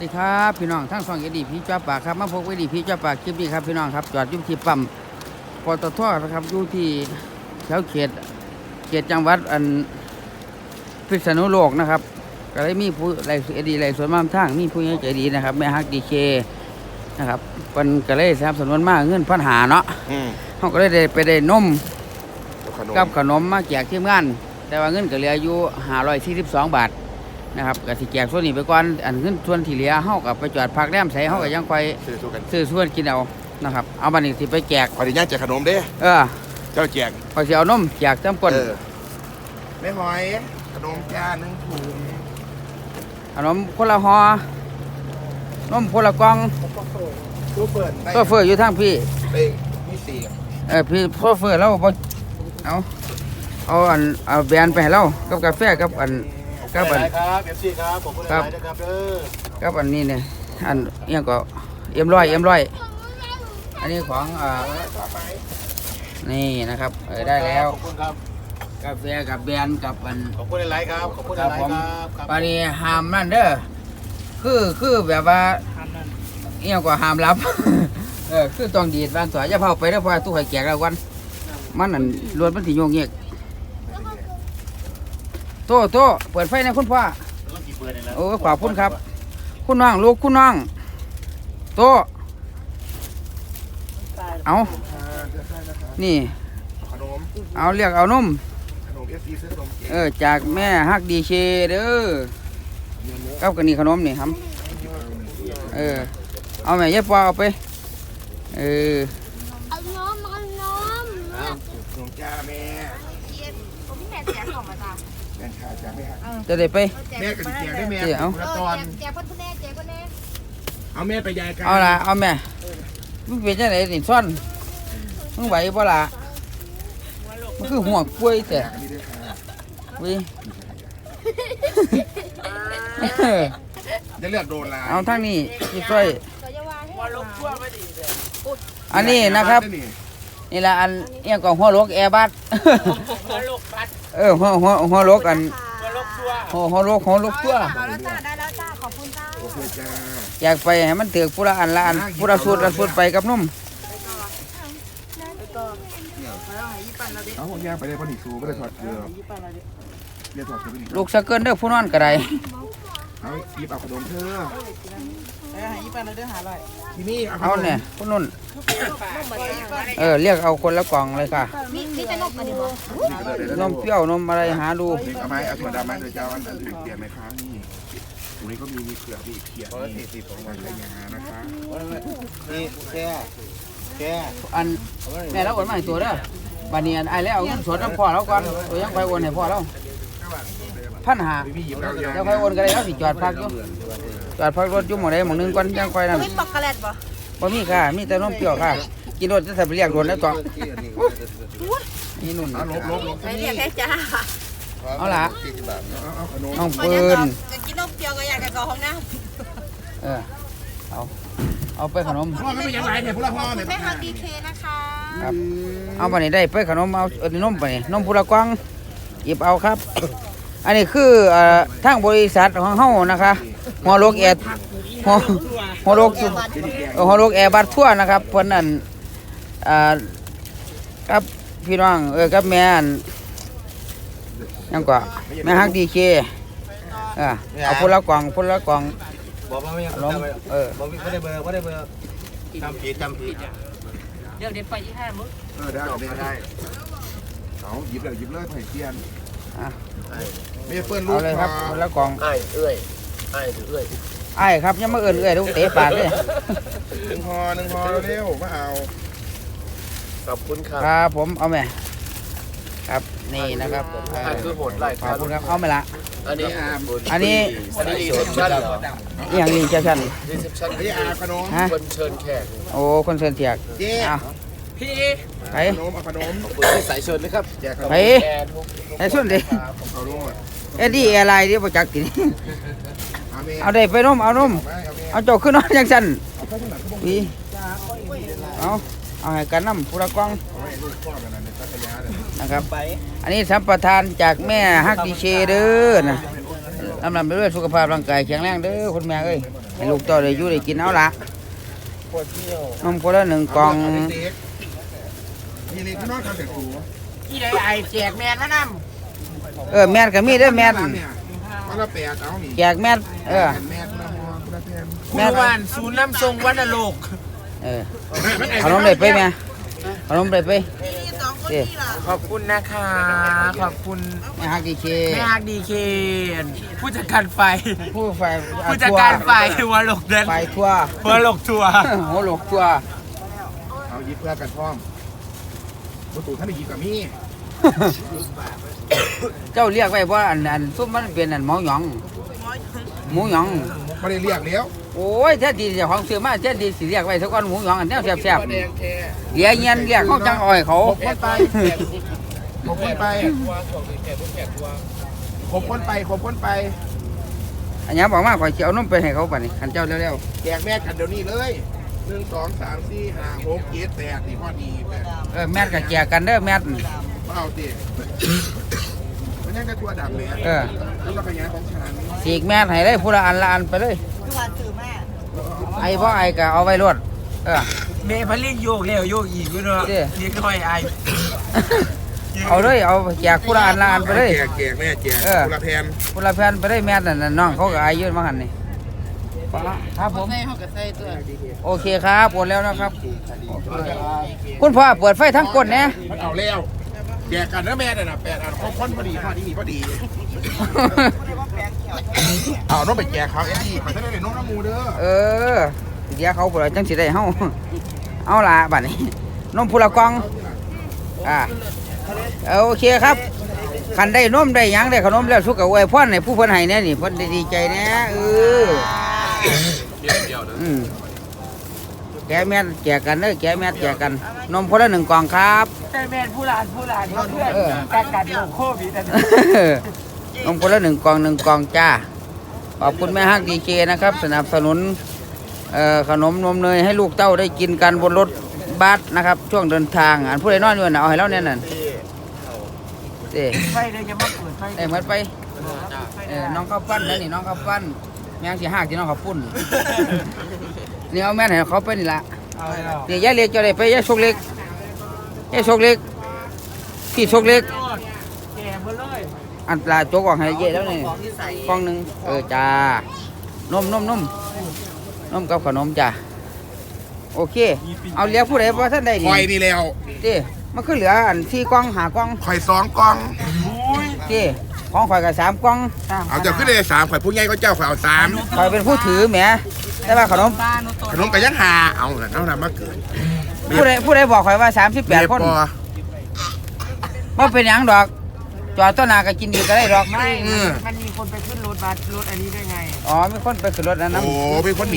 สวัสดีครับพี่น้องทั้งสองเอดีพี่จ้าปากครับมาพบเอดีพี่จ้าปากคลิปนี้ครับพี่น้องครับจอดอยู่ที่ปั๊มปตทนะครับอยู่ที่แถวเขตจังหวัดพิษณุโลกนะครับก็เลยมีผู้ไรเอดีไรส่วนมากทางมีผู้ใหญ่ใจดีนะครับแม่ฮักดีเคนะครับเป็นก็เลยสนับสนุนมากเงิน1,500เนาะเขาก็เลยได้นมกับขนมมาแจกทีมงานแต่ว่าเงินก็เหลืออยู่542 บาทนะครับก็สิแจกส่วนนี้ไปก่อนอันขึ้นส่วนที่เหลือเฮากับไปจอดพักแรมใส่เฮาก็ยังค่อยซื้อส่วนกินเอานะครับเอาบัดนี้สิไปแจกขออนุญาตแจกขนมเด้เจ้าแจกพอสิเอานมแจกจำก้นไม่หอยขนมจาน1 ถุงขนมคนละห่อนมคนละกล่องตัวเฟอร์อยู่ทางพี่มี4 พี่โซเฟอร์เราบ่เอาแบรนด์ไปให้เรากับกาแฟกับครับ FC ครับผมพูดอะไรนะครับเด้อกับอันนี้เนี่ยอันนี้ก็เอ็มร้อยอันนี้ของนี่นะครับได้แล้วขอบคุณครับกาแฟกับแบรนด์กับขอบคุณหลายครับขอบคุณหลายครับปานี้ห้ามนั่นเด้อคือแบบว่าเนี่ยก็ห้ามรับคือต้องดีดบางตัวอย่าเผาไปแล้วเพราะตู้ไข่แจกแล้ววันมันนั่นรถมันสิโยงเงียกโตเปิดไฟนะคุณพ่อโอ้ขอบคุณครับคุณน้องลูกคุณน้องโตเอานี่เอาเรียกเอานมจากแม่ฮักดีเชเด้อกับกันนี่ขนมนี่ครับเอาแม่ยัดปลาเอาไปเอาน้ำจ้าแม่ผมพี่แม่แจกของมาจ้าแม่ขาจ้าแม่จะได้ไปแม่กับแจกได้แม่เอาแจกพ่อแม่แจกพ่อแม่เอาแม่ไปยายกันเอาละเอาแม่มึงเป็นจังไหนนี่ซ่อนมึงไหวบ่ล่ะมันคือห่วงป่วยแต่วิจะเลือกโดนละเอาทั้งนี้ที่ช่วยอันนี้นะครับนี่ละอันเอียงกับหัวลกแอร์บัสหัวลกอันหัวลกตัวได้แล้วจ้าขอบคุณจ้าโอเคจ้าอยากไปให้มันถือผู้ละอันผู้ละสูตรไปกับนุ่มเอาพวกย่างไปได้พอดีซูไม่ได้ถอดเกลือลูกสะเกินเด้อผู้นอนกระไดเอาหยิบเอาขนมเธอหยิบไปเลยเด้อหาอะไรที่นี่เอาเนี่ยผู้นุ่นเรียกเอาคนละกล่องเลยค่ะมีแต่นมอันนี้บ่นมเปรี้ยวนมอะไรหาดูเอาไหมเอาถั่วดำไหมเดี๋ยวจะเอาอันอื่นเปลี่ยนไหมคะนี่ตรงนี้ก็มีเกลือพี่เขียนนี่40ของวันระยะนะคะนี่แค่อันแม่เราโอนมาให้ตัวเด้อบัดนี้ไอ้แล้วเอาเงินสดน้ำพ่อเราก่อนตัวยังไปโอนให้พ่อเรา1,500จะไปโอนกันเลยแล้วสิจอดพักอยู่จอดพักรถอยู่หม้องใดหม้องนึงก่อนยังค่อยนั่นมีปอกโกแลตบ่มีค่ะมีแต่นมเปรี้ยวค่ะกินรถจะใส่ไปเรียกรถแล้วต่อนี่นุ่นลบเรียกแค่จ้าเอาละน้องปืนจะกินนมเปรี้ยวก็อยากจะก่อห้องน้ำเอาไปขนมพ่อไม่เป็นยังไงเนี่ยพวกเราพ่อเนี่ยแม่ฮักดีเคนะคะครับเอาไปนี่ได้ไปขนมเอานมไปนมพุระกวางหยิบเอาครับอันนี้คือทางบริษัทของเฮานะคะหัวโลกแอร์หัวโลกแอร์บัสทั่วนะครับเพิ่นนั่นกับพี่น้องกับแม่ยังกว่าแม่ฮักดีเคเอาพุระกวางบอกว่าไม่ยังบอกไม่ได้เบอร์จำผิดเดี๋ยวไปที่ห้ามื้อได้เอาหยิบเลยไผ่เทียนไม่เปิ้ลลูกเลยครับพุระกวางไอ้ครับยังมาเอื้อยลูกเตะปากเลย 1 ห่อเร็วมาเอาขอบคุณครับครับผมเอาไหมครับนี่นะครับคือโหดไล่ขอบคุณครับเอาไหมล่ะอันนี้รีเซพชั่นเหรออย่างรีเซพชั่นนี่ขนมคนเชิญแขกโอ้คนเชิญแขกพี่ไปขนมสายเชิญเลยครับไปส่วนดิดีอะไรที่ประจักษ์กินเอาได้ไปนมเอาโจขึ้นนอนยังสั่นพี่เอาให้กันน้ำพุระกวางนะครับอันนี้สัมปทานจากแม่ฮักดีเชเด้อนะลำไปด้วยสุขภาพร่างกายแข็งแรงเด้อคุณแม่เอ้ยให้ลูกเต้าได้อยู่ได้กินเอาละนมคนละ1 กล่องมีเล็กน้อยทำแต่ตัวที่ไหนไอแจกแมนมานำแม่นก็มีเด้อแม่นเนี่ยวันละ8เอานี่แจกแม่นแม่ละมอละแพนแม่นบ้านศูนย์น้ำทรงวัดโลกขนมได้ไปแม่ขนมได้ไปเด้ขอบคุณนะคะขอบคุณแม่ฮักดีเคแม่ฮักดีเคผู้จัดการไฟผู้ไฟผู้จัดการไฟหัวหลกเดินไฟทั่วหัวหลกทัวร์หัวหลกทั่วเอายิบเพื่อกันพร้อมประตูท่านได้ยิบกับมี่เจ้าเรียกไว้ว่าอันซุปมันเป็นอันหมูหยองหมูหยองไม่ได้เรียกแล้วโอ้ยแท้ดีเจ้าของซื้อมาแท้ดีสิเรียกไว้ทุกคนหมูหยองอันแนวแซ่บๆนี่เดี๋ยวเงียนเรียกเขาจังอ้อยเขาคนไปผมคนไปผมคนไปผมคนไปอันนี้บอกมาข่อยสิเอานมไปให้เขาบัดนี้คันเจ้าเร็วแจกแม่กันเดี๋ยวนี้เลย1 2 3 4 5 6 7 8นี่พอดี8 ๆแม่นก็แจกกันเด้อแม่นเอาสิมันยังกระตัวดำเลยแล้วเราขยายของฉันสีกแม่นให้เลยผู้ละอันละอันไปเลยทุกวันซื้อแม่ไอ้พ่อไอ้ก็เอาไว้รวดเมย์พันลิ่งโยกแล้วโยกอีกด้วยเนาะนี่ก็ไม่ไอเอาเลยเอาแจกผู้ละอันละอันไปเลยแจกแม่แจกคนละแพนผู้ละแผ่นไปเลยแม่นนั่นน้องเขาก็อายุมาหันนี่ครับผมโอเคครับปวดแล้วนะครับ คุณพ่อเปิดไฟทั้งก้นเนี่ยมันเอาแล้วแจกกันนะแม่เนี่ยนะ8 อันคนพอดีพอดีพอดีเอาน้องไปแจกเขาดี้ไปได้เลยน้องน้ำมูเด้อเดี๋ยวเขาเปิดจังสิได้เฮาเอาละบัดนี้นมผู้ละกล่องโอเคครับคันได้นมได้หยังได้ขนมแล้วสุกกับอวยพรให้ผู้เพิ่นให้แน่นี่เพิ่นดีใจแน่แกแม่แจกกันเด้อแกแม่แจกกันนมคนละ1 กล่องครับแต่แมนผู้หลานเพื่อนการกัดโลโควิดนมคนละ1 กล่อง1 กล่องจ้าขอบคุณแม่ฮักดีเคนะครับสนับสนุนขนมนมเนยให้ลูกเต้าได้กินกันบนรถบัสนะครับช่วงเดินทางอันผู้ใดนอนอยู่น่ะเอาให้เราเนี่ยนั่นไฟเลยจะมาเปิดไฟเหมือนไปน้องข้าวปั้นนะนี่น้องข้าวปั้นแมงสีหักที่น้องข้าวปุ้นนี่เอาแม่ให้เขาไปนี่ละนี่ยายเล็กจะได้ไปยายโชคเล็กยายโชคเล็กพี่โชคเล็กแก่หมดเลยอันปลาโจ๊กออกให้เยอะแล้วนี่กล่องหนึ่งจ้านมกับขนมจ้าโอเคเอาเหลือผู้ใดเพราะท่านได้คอยนี่แล้วมันคือเหลืออัน4 กล่อง5 กล่องคอย2 กล่องของข่อยกับ3 กล่องเอาจะขึ้นเลย3ข่อยผู้ใหญ่ก็เจ้าข่อยเอา3 ข่อยเป็นผู้ถือแหมแต่ว่าขนมกับยังหาเอาแล้วน้ำมาเกิดผู้ใดบอกข่อยว่า38 คนว่าเป็นหยังดอกจอดต้นนาก็กินดีก็ได้ดอกไม่มันมีคนไปขึ้นรถบัสรถอันนี้ได้ไงอ๋อมีคนไปขึ้นรถอันนั้นโอ้เป็นคนหนี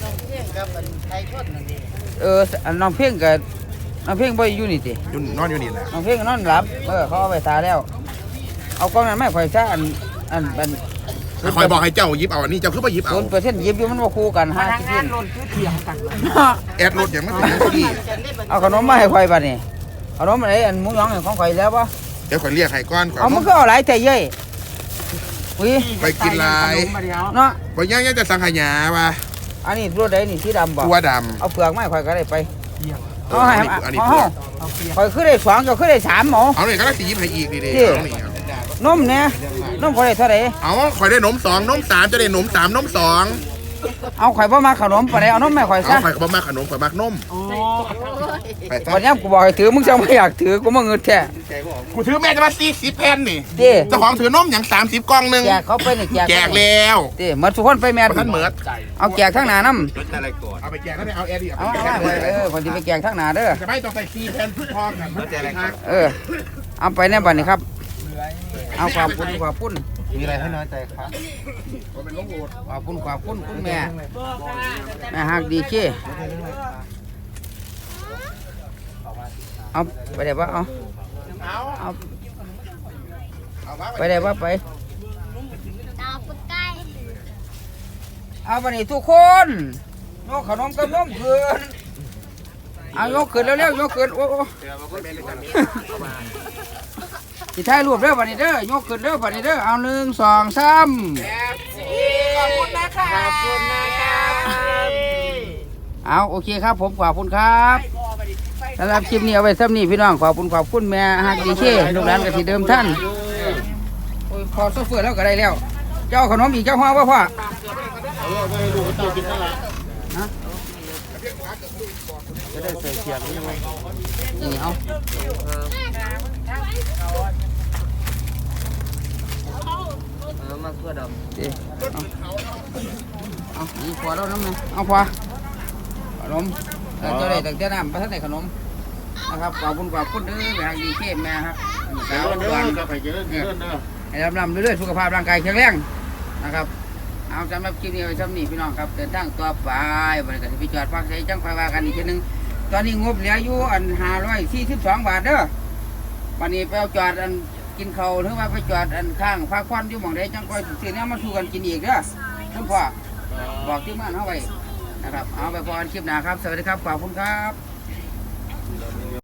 น้องเพ่งกับน้องเพ่งบ่อยู่นี่ตินอนอยู่นี่แหละน้องเพ่งนอนหลับเขาเอาไปตาแล้ว เอากล้องนั้นไม่ข่อยซะอันคอยบอกให้เจ้ายิบเอาอันนี้เจ้าคือไปยิบเอา 0%ยิบอยู่มันบ่คู่กันพนักงานรถคือเถียงกันแอดรถอย่างไม่ถึงที่เอาขนมมาให้ข่อยบัดนี้ขนมอะไรอันหมูหยองของข่อยแล้วบ่เดี๋ยวข่อยเรียกให้ก้อนก่อนเอามันก็เอาหลายแต่เย้ยอุ้ยไปกินลายเนาะไปย่างจะสังขยาป่ะอันนี้รถใดนี่สีดำบ่ตัวดเอาเปลือกไม้ข่อยก็ได้ไปำเอาให้อันนี้เอาเพื่อข่อยคือได้2เจ้าคือได้3หมอเอาเลยก็ได้สียิบให้อีกดีๆเอานี่นมเนี่ยนมข่อยได้เท่าไหร่เอาข่อยได้นม2นม3จะได้นม3นม2 เอาข่อยบ่มาขนมปานใดเอานมแม่ข่อยเอาซะข่อยก็บ่มาขนมข่อยมักนมโอ้ไปซะวันนี้กูบอกให้ถือมึงจะไม่อยากถือกูมาเงินแท้กูถือแม่จะมา40แผ่นนี่เด้เจ้าของถือนมอย่าง30กล่องนึงแจกเขาไปนี่แจกแล้วเด้หมดทุกคนไปแม่ท่านเหมิดเอาแจกทั้งหน้านำเอาไปแจกแล้วเอาแอร์ดิเอาไปแจกคนที่ไปแจกทั้งหน้าเด้อจะไม่ต้องใส่4แผ่นพอกันมันแจกอะไรเอาไปแน่บัดนี้ครับเอาขอบคุณมีอะไรให้น้อยใจครับขอบคุณคุณแม่ฮักดีเจ้เอาไปได้ปะเอาไปได้ปะไปเอาวันนี้ทุกคนยกขนมกับนมขึ้นเอายกขึ้นเร็วๆยกขึ้นโอ้สิถ่ายรูปเด้อวันนี้เด้อยกขึ้นเด้อวันนี้เด้อเอา1 2 3 ขอบคุณนะคะขอบคุณนะคะเอาโอเคครับผมขอบคุณครับสำหรับคลิปนี้เอาไว้ซ้ำนี้พี่น้องขอบคุณแม่ฮักดีเคลูกหลานกับที่เดิมท่านโอ้ยพอโซเฟอร์แล้วก็ได้แล้ว เจ้าขนมอีกเจ้าห้องว่าพ่อฮะจะได้ใส่เสียงยังไงนี่เอามาเพื่อดำเอานี่พอแล้วน้ำมันเอาพอขนมเจ้าได้ตั้งแต่น้ำประทัดในขนมนะครับขอบคุณเด้อแม่ฮักดีเคแม่ครับสาวดวนให้ลำเรื่อยๆสุขภาพร่างกายแข็งแรงนะครับเอาสำหรับคลิปนี้ไว้ซ้ำนี้พี่น้องครับเดินทางต่อไปบริการที่จอดพักใช้จังไฟว่ากันอีกทีนึงตอนนี้งบเหลืออยู่อัน542 บาทเด้อวันนี้ไปเอาจอดอันกินเขาหรือว่าไปจอดอันข้างพักควันอยู่หม่องใดจังไฟซื้อเนี่ยมาสู่กันกินอีกเด้อคุณพ่อบอกที่มันเอาไว้นะครับเอาไปพอกันคลิปหน้าครับสวัสดีครับขอบคุณครับ